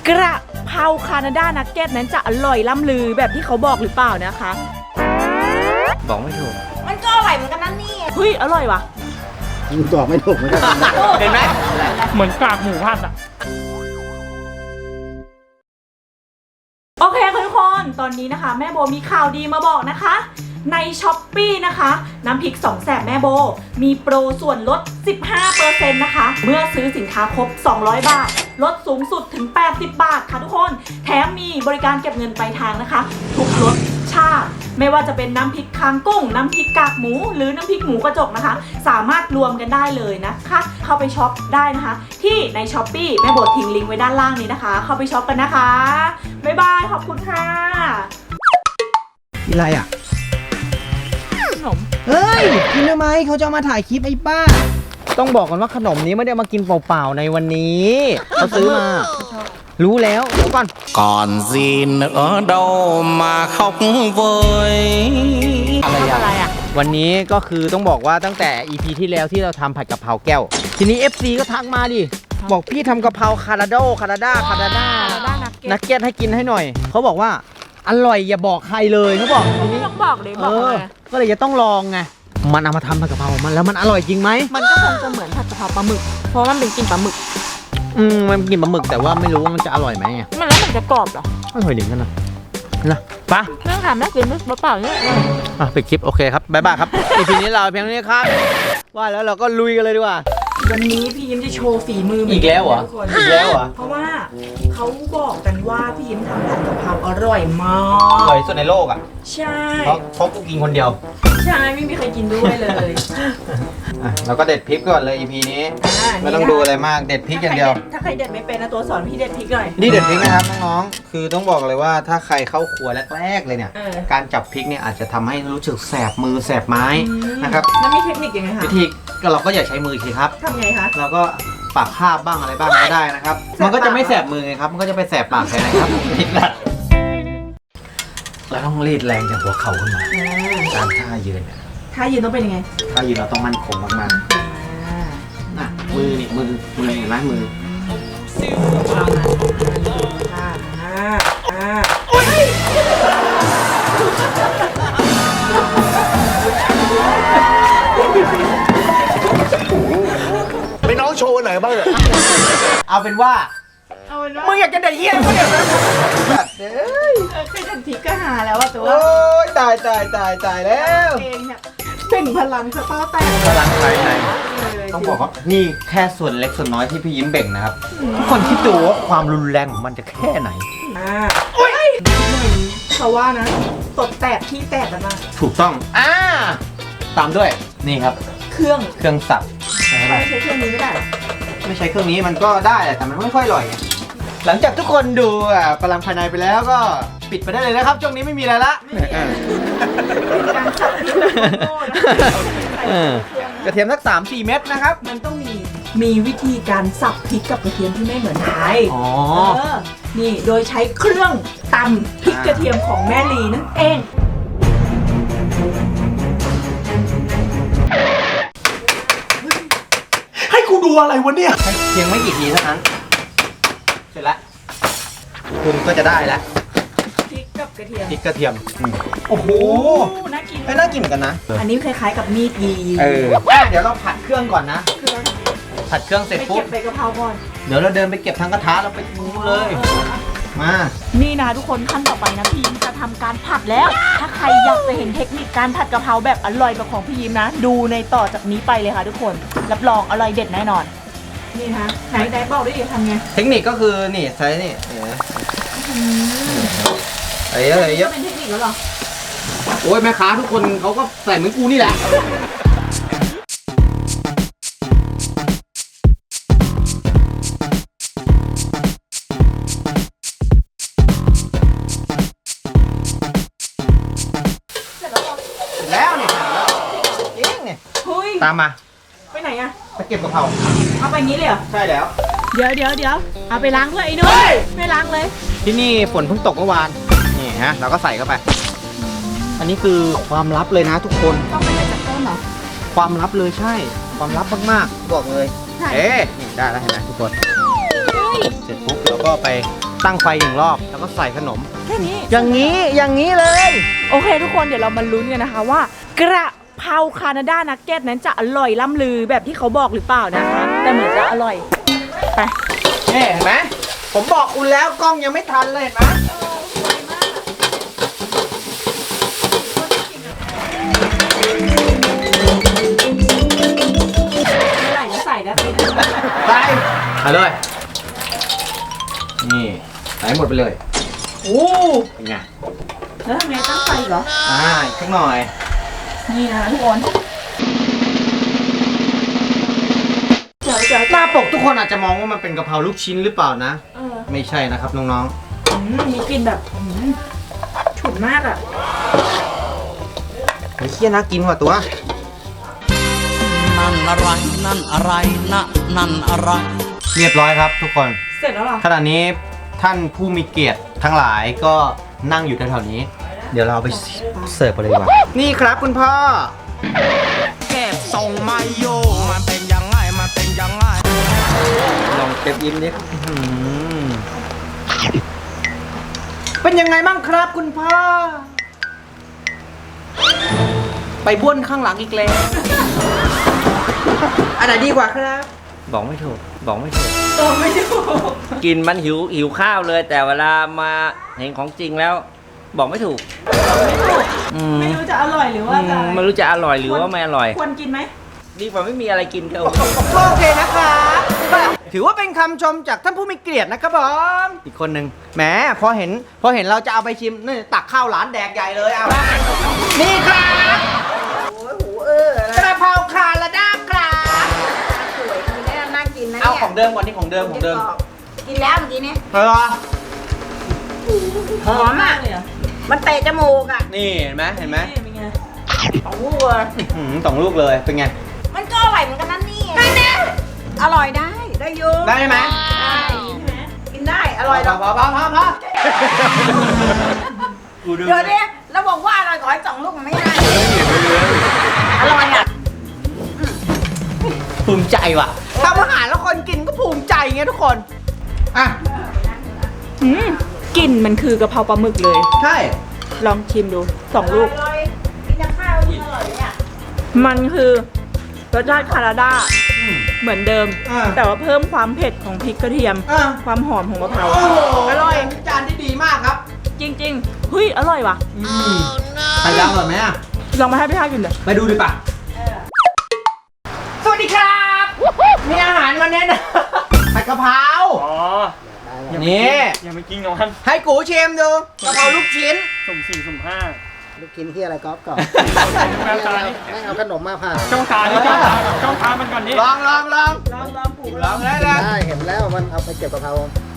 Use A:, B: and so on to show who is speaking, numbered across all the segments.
A: กระเพราคานาดานักเก็ตนั้นจะอร่อยล้ำลือแบบที่เขาบอกหรือเปล่านะคะ
B: บอกไม่ถูก
A: มันก็อร่อยเหมือนกันนั่นนี่เฮ้ยอร่อยว่ะ
C: บอกไม่ถูกเหมือนกัน
B: เห็นไหม
D: เหมือนกากหมูผัดอ่ะ
A: โอเคค่ะทุกคนตอนนี้นะคะแม่โบมีข่าวดีมาบอกนะคะใน Shopee นะคะน้ำพริก2แสบแม่โบมีโปรส่วนลด 15% นะคะเมื่อซื้อสินค้าครบ200 บาทลดสูงสุดถึง80 บาทค่ะทุกคนแถมมีบริการเก็บเงินปลายทางนะคะทุกรสชาติไม่ว่าจะเป็นน้ำพริกคางกุ้งน้ำพริกกากหมูหรือน้ำพริกหมูกระจกนะคะสามารถรวมกันได้เลยนะคะเข้าไปช็อปได้นะคะที่ใน Shopee แม่โบทิ้งลิงก์ไว้ด้านล่างนี้นะคะเข้าไปช็อปกันนะคะบ๊ายบายขอบคุณค่ะ
C: อะไรอ่ะ
A: ขนม
C: เฮ้ยกินทำไมเขาจะมาถ่ายคลิปไอ้ป้าต้องบอกก่อนว่าขนมนี้ไม่ได้มากินเปล่าๆในวันนี้เขาซื้อมารู้แล้วเดี๋ยวก่อน
E: còn gì nữa đâu mà khóc vơi
A: อะไรอ่ะ
C: วันนี้ก็คือต้องบอกว่าตั้งแต่ EP ที่แล้วที่เราทำผัดกะเพราแก้วทีนี้ FC ก็ทักมาดิบอกพี่ทำกะเพราคาราดานักเก็ตให้กินให้หน่อยเขาบอกว่าอร่อยอย่าบอกใครเลยเขาบอกทีนี้
A: ต้องบอกเลยบอกเลย
C: ก็เลยจะต้องลองไงมันเอามาทำผัดกะเพรามันแล้วมันอร่อยจริงไหม
A: มันก็คงจะเหมือนผัดกะเพราปลาหมึกเพราะมันเป็นกลิ่นปลาหมึก
C: มันกินปลาหมึกแต่ว่าไม่รู้ว่ามันจะอร่อยไหม
A: มันแล้วมันจะกรอบเหรอ
C: อร่อยดีกันนะปะ
A: เรื่องถามน่ากินมั้ยเปล่าเนี่ย
C: ปิดคลิปโอเคครับบ๊ายบายครับ EP นี้เราเพียงนี้ครับว่าแล้วเราก็ลุยกันเลยดีกว่า
A: วันนี้พี่ยิ้มจะโชว์ฝีมือ
C: อีกแล้วเหรออีกแล้วเหรอ
A: เพราะว่าเขาบอกกันว่าพี่ยิ้มทำผัดกะเพราอร่อยมาก
C: อร่อยสุดในโลกอ่ะ
A: ใช่
C: เพราะกูกินคนเดียว
A: ใช่ไม่มีใครกินด้วยเลย
C: เราก็เด็ดพริกก่อนเลย EP นี้ไม่ต้องดูอะไรมากเด็ดพริกอย่างเดียว
A: ถ้าใครเด็ดไม่เป็นนะตัวสอนพี่เด็ดพริกหน่อย
C: นี่เด็ดพริกนะครับน้องๆคือต้องบอกเลยว่าถ้าใครเข้าครัวแรกๆเลยเนี่ยการจับพริกเนี่ยอาจจะทำให้รู้สึกแสบมือแสบไม้นะครับ
A: แล้วมีเทคนิคยังไงคะ
C: วิธีเราก็อย่าใช้มือสิครับ
A: ทำไงคะ
C: เราก็ปากคาบบ้างอะไรบ้างก็ได้นะครับมันก็จะไม่แสบมือไงครับมันก็จะไปแสบปากแทนนะครับพริกละเราต้องรีดแรงจากหัวเข่าขึ้นมาการท่ายืน
A: ท่ายืนต้องเป็นยังไง
C: ท่ายืนเราต้องมั่นคงมากๆน่ะมือนี่มือเห็นไหมมือ
B: ไปน้องโชว์ไหนบ้างเนี่ย
C: เอาเป็นว่ามึงอยากจะเด็ดเหี้ยมึงอยากจะ
A: เคยเด็ดพริกก็หาแล้วว่าตัว
C: โอ้ยตายแล้ว
A: เองเนี่ยเป็นพลังสตาร์แตก
C: พลังภายในต้องบอกว่านี่แค่ส่วนเล็กส่วนน้อยที่พี่ยิ้มเบ่งนะครับทุกคนคิดดูว่าความรุนแรงของมันจะแค่ไหน
A: เพราะว่านะตดแตกที่แตกกันมา
C: ถูกต้องตามด้วยนี่ครับ
A: เครื่อง
C: สับ
A: ไม่ใช้เครื่องนี้ไม่ได้
C: ไม่ใช้เครื่องนี้มันก็ได้แต่มันไม่ค่อยอร่อยหลังจากทุกคนดูพลังภายในไปแล้วก็ปิดไปได้เลยนะครับช่วงนี้ไม่มีอะไรละ
A: การสับ
C: กระเทียมสัก 3-4 เม็ดนะครับ
A: มันต้องมีวิธีการสับพริกกับกระเทียมที่ไม่เหมือนใครนี่โดยใช้เครื่องตำพริกกระเทียมของแม่ลีนั่นเอง
B: ให้กูดูอะไรวะเนี่ย
C: เพียงไม่กี่ทีเท่านั้นเสร็จแล้วคุณก็จะได้แล้ว
A: พริกกับกระเทีย
C: มโอ้โห
A: น่ากิน
C: น่ากินเหมือนกันนะ
A: อันนี้คล้ายๆกับมีดยี
C: เดี๋ยวเราผัดเครื่องก่อนนะผัดเครื่องเสร็จปุ๊บ
A: ไปเก็บใบกะเพราก่อน
C: เดี๋ยวเราเดินไปเก็บทั้งกระทะเราไปดูเลยมา
A: นี่นะทุกคนขั้นต่อไปนะพี่ยิ้มจะทำการผัดแล้วถ้าใครอยากจะเห็นเทคนิคการผัดกะเพราแบบอร่อยแบบของพี่ยิ้มนะดูในต่อจากนี้ไปเลยค่ะทุกคนรับรองอร่อยเด็ดแน่นอนนี่ฮะไหนบอกได้ดิทำไง
C: เทคนิคก็คือนี่ใช้นี่อะไรเยอะ
A: เป็นเทคนิคแล้วหรอ
C: โอ้ยแม่ค้าทุกคนเขาก็ใส่เหมือนกูนี่แหละแล้วเนี่ยจริงเนี่ยตามมา
A: ไปไหนอะ
C: ไปเก็บกะเพรา
A: เอาไปงี้เลยเหรอ
C: ใช่แล้ว
A: เดี๋ยวเอาไปล้างด้วยไอ้นุ้ยไม่ล้างเลย
C: ที่นี่ฝนเพิ่งตกเมื่อวานนี่ฮะเราก็ใส่เข้าไปอันนี้คือความลับเลยนะทุกคน
A: ต้องไปจากต้นเหรอ
C: ความลับเลยใช่ความลับมากๆบอกเลยนี่ได้แล้วเห็นไหมทุกคนเสร็จปุ๊บเราก็ไปตั้งไฟหนึ่งรอบแล้วก็ใส่ขนม
A: แค่นี้
C: อย่างนี้เลย
A: โอเคทุกคนเดี๋ยวเรามาลุ้นกันนะคะว่ากระเพราแคนาดานักเก็ตนั้นจะอร่อยล่ำลือแบบที่เขาบอกหรือเปล่านะคะ แต่เหมือนจะอร่อยไป
C: นี่เห็นไหมผมบอกคุณแล้วกล้องยังไม่ทันเลยเห็นไหม
A: เมื่อไหร่จะใส่นะพี่
C: ไปเอาเลยนี่ใส่หมดไปเลย
A: โอ้
C: เป็นไง
A: แล้วทำไงตั้งไฟเหรอ
C: อีกสักหน่อย
A: นี่นะทุกคนเดี๋ยว
C: หน้าปกทุกคนอาจจะมองว่ามันเป็นกะเพราลูกชิ้นหรือเปล่านะ ไม่ใช่นะครับน้อง
A: มีกลิ่นแบบฉุนมากอ่ะ
C: ๆเฮ้ยเคี้ยน่ากินกว่าตัว
E: นั่นอะไร นั่นอะไรนะนั่นอะไร
C: เรียบร้อยครับทุกคน
A: เสร็จแล้วเหรอ
C: ขณะนี้ท่านผู้มีเกียรติทั้งหลายก็นั่งอยู่แถวๆนี้ เดี๋ยวเราเอาไปเสิร์ฟกันเลยดีกว่า นี่ครับคุณพ่อ
E: เก็บส่งมาโยมันเป็นยังไง มันเป็นยังไง
C: ลองเก็บยิ้มนิดเป็นยังไงบ้างครับคุณพ่อ ไปบ้วนข้างหลังอีกแล้ว อันไหนดีกว่าครับ
F: บอกไม่ถูก บอกไม่ถูก
A: ตัวไม่ถูก
F: กินมันหิวข้าวเลย แต่เวลามาเห็นของจริงแล้ว บอกไม่ถูกอืม
A: ไม่รู้จะอร่อยหรือว่าจะ
F: ไม่รู้จะอร่อยหรือว่าไม่อร่อย
A: ควรกินไหม
F: ดีกว่าไม่มีอะไรกินครับ
C: โอเคนะครับถือว่าเป็นคำชมจากท่านผู้มีเกียรตินะครับผมอีกคนหนึ่งแหมพอเห็นเราจะเอาไปชิมนี่ตักข้าวหลานแดกใหญ่เลยเอานี่ครับกระเพราคาราดาครับ
G: สวยดีนะน่ากินนะ
C: เอา
G: เนี่ย
C: ของเดิมก่อนนี่ของเดิม
G: กินแล้วเมื่อกี้เนี่ย
C: เออ
G: หอมอ่ะ
A: เลยเหรอ
G: มันเตะจมูกอ่ะ
C: นี่เห็นไหม
A: นี่เป็นไง
G: ของวัว
C: สองลูกเลยเป็นไง
G: มันก็อร่อยเหมือนกันนั่นนี่อร่อยได้ได้อยู
C: ได้ไหม
G: ได้กินได้อร่อยหรอก
C: พอดู
G: เดี๋ยวนี้เราบอกว่าอร่อยขอให้2 ลูกมันไม่ได้อร่อยอ่ะ
C: ภูมิใจว่ะทำอาหารแล้วคนกินก็ภูมิใจไงทุกคนอ่ะ
A: กลิ่นมันคือกะเพราปลาหมึกเลย
C: ใช่
A: ลองชิมดู2 ลูก
G: อร่อยกินกับข้าวยิ่งอร่อยเนี่ย
A: มันคือรสชาติคาราดาเหมือนเดิม แต่ว่าเพิ่มความเผ็ดของพริกกระเทียม ความหอมของกะเพรา
C: โอ้โหอร่อยจานที่ดีมากครับ
A: จริงๆเฮ้ยอร่อยว่ะ
C: ใครยาวก่อนไหมอ่ะ
A: ลองมาให้พี่ท่ากินเลย
C: ไปดูดีป่ะสวัสดีครับ มีอาหารมาแนะนำผัดกะเพรา
D: อ๋อ
C: นี่
D: อย่าไปกินกับมัน
C: ให้กูชิมดูกะเพราลูกชิ้น
D: สุ่ม4สุ่ม5
H: ลูกชิ้นที่อะไรก๊อฟก่อน
D: แม่ตานี่
H: แม่งเอาขนมมาผ่า
D: ช่องทางนี่ช่องทางมันก่อนนี่
C: ลองเลย
A: ลองปลูก
C: ลองเลยเลย
H: ได้เห็นแล้วมันเอาไปเก็บกะเพรา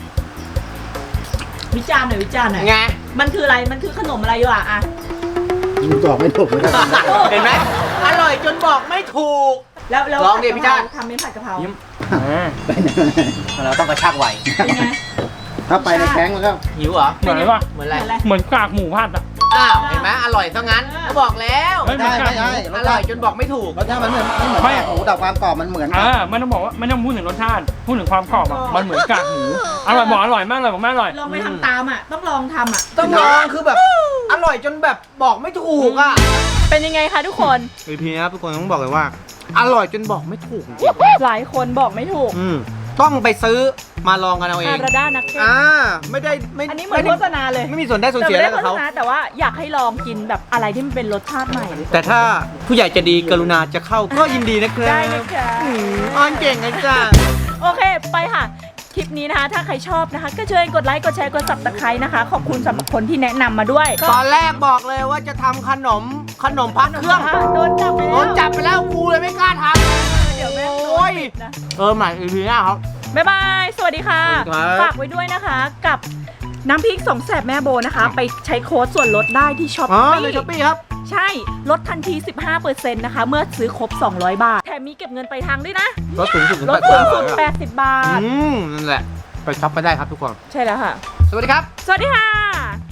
A: วิจารณ์หน่อยวิจารณ์หน่อย
C: ไง
A: มันคืออะไรมันคือขนมอะไรอยู่อ่ะ
H: ยิงตอบไม่ถูกเหมือนกัน
C: เห็นไหมอร่อยจนบอกไม่ถูก
A: แล้ว
C: ลองดิพี่จ้า
A: ทำเป็นผัดกะเพรา
D: ยิ้ม
C: เราต้องกระชากไว
A: เป็นไง
H: ถ้าไปในแข้งแล้วก็
C: หิวเหรอ
D: เหมือนอะไรวะ
C: เหมือนอะไร
D: เหมือนกากหมูผัดอ่ะ
C: อ้าวเห็นไหมอร่อยซะงั้นก็บอกแล้ว
D: เฮ้ย
H: ได้ไม่ได้
C: อร่อยจนบอกไม่ถูก
H: รสชาติมันเหมือนไม่เหมือน
D: ไม่
H: กากหมูแต่ความกรอบมันเหมือนกัน
D: ไม่ต้องบอกว่าไม่ต้องพูดถึงรสชาติพูดถึงความกรอบอ่ะมันเหมือนกากหมูอร่อยบอกอร่อยมากเลยบอกแม่อร่อย
A: ลองไปทำตามอ่ะต้องลองทำอ่ะ
C: ต้องลองคือแบบอร่อยจนแบบบอกไม่ถูกอ่ะ
A: เป็นยังไงคะทุกคน
C: พีนะครับทุกคนต้องบอกเลยว่า อร่อยจนบอกไม่ถูกจริง
A: หลายคนบอกไม่ถูก
C: ต้องไปซื้อมาลองกันเอาเอ
A: คาง ราดานักเก็ต
C: ไม่ได้ไม่
A: อันนี้เหมือนโฆษณาเลย
C: ไม่มีส่วนได้ส่วน
A: แต่
C: เสีย
A: ไม่
C: อะไร
A: ได้
C: กับ
A: โฆษ
C: เขา
A: ณาแต่ว่าอยากให้ลองกินแบบอะไรที่มันเป็นรสชาติใหม่
C: แต่ถ้าผู้ใหญ่จะดีกรุณาจะเข้าก็ยินดีนะครับ
A: ได้นะคะ
C: อ้อนเก่งนะจ๊ะ
A: โอเคไปค่ะ คลิปนี้นะคะ ถ้าใครชอบนะคะ ก็ช่วยกดไลค์กดแชร์กด Subscribe นะคะ ขอบคุณสำหรับคนที่แนะนำมาด้วย
C: ตอนแรกบอกเลยว่าจะทำขนมพักเครื่อง
A: โดนจับไป
C: โด
A: แล้ว
C: นจับไปแล้วครูเลยไม่กล้าท
A: เดี๋ยวแม่
C: ำ
A: โด
C: โอ้
A: น
C: ย
A: ปิดนะ
C: ใหม่อีพีหน้าครับ
A: บ๊ายบาย สวัสดีค่ะ
C: สวัสดีครับ
A: ฝากไว้ด้วยนะคะกับน้ำพริกสองแสบแม่โบนะคะ ไปใช้โค้ดส่วนลดได้ที่ช้อป
C: อ๋อ
A: ปี้
C: ในช้อปปี้ครับ
A: ใช่ ลดทันที 15%นะคะ เมื่อซื้อครบ 200 บาท แถมมีเก็บเงินไปลายทางด้วยนะ
C: ลดสูงสุดถึง
A: ลดสูงสุด80 บาท
C: นั่นแหละ ไปช็อปไปได้ครับทุกคน
A: ใช่แล้วค่ะ
C: สวัสดีครับ
A: สวัสดีค่ะ